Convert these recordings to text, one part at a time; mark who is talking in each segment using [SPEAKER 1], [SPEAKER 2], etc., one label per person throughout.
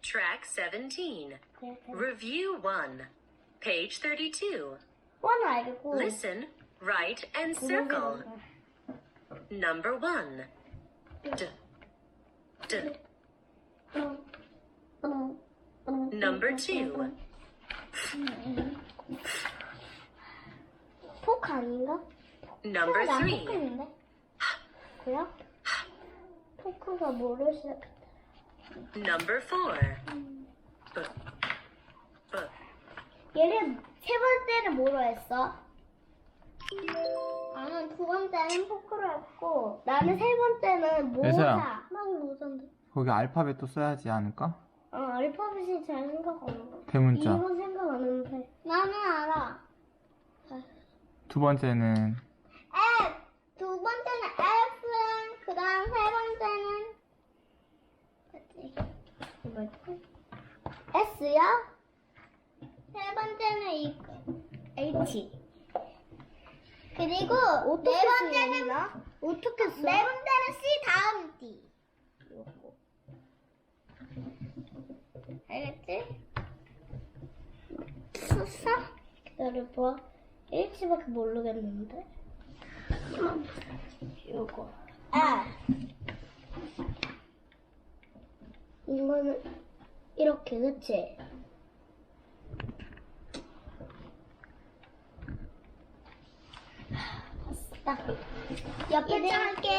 [SPEAKER 1] Track 17. Review 1. Page 32.
[SPEAKER 2] 원 알고.
[SPEAKER 1] Listen, write, and circle. Number 1. D. D. Number 2.
[SPEAKER 2] 포크 아닌가?
[SPEAKER 1] Number
[SPEAKER 2] 난
[SPEAKER 1] 3.
[SPEAKER 2] 포크인데? 뭐야? 포크가 뭐를 시작했다?
[SPEAKER 1] Number 4. B. B.
[SPEAKER 2] 얘를 세 번째는 뭐로 했어? 나는 두 번째는 포크로 했고 나는 세 번째는 모자.
[SPEAKER 3] 예서야.
[SPEAKER 2] 나는 모자인데.
[SPEAKER 3] 거기 알파벳도 써야지 않을까?
[SPEAKER 2] 알파벳이 잘 생각 안 나.
[SPEAKER 3] 대문자.
[SPEAKER 2] 이건 생각 안 나는데. 나는 알아.
[SPEAKER 3] 두 번째는
[SPEAKER 2] F. 두 번째는 F. 그 다음 세 번째는 뭐지? S야? 세 번째는 이 H. 그리고 네 번째는 어떻게 써? 네 번째는 C 다음 D. 요거. 알겠지? 썼어? 기다려봐. H밖에 모르겠는데. 요거. 이거는 이렇게, 그치? 봤어. 옆에 할게.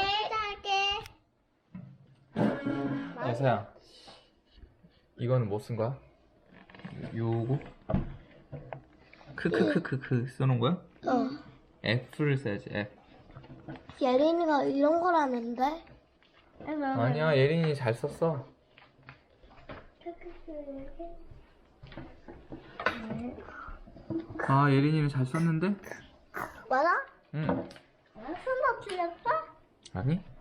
[SPEAKER 3] 예서야. 이거는 뭐 쓴 거야? 요거? 크크크크크 써놓은 거야? F를 써야지 F.
[SPEAKER 2] 예린이가 이런 거라는데?
[SPEAKER 3] 아니야, 예린이 잘 썼어. 아, 예린이는 잘 썼는데?
[SPEAKER 2] 맞아?
[SPEAKER 3] 응.
[SPEAKER 2] 설마 틀렸어?
[SPEAKER 3] 아니?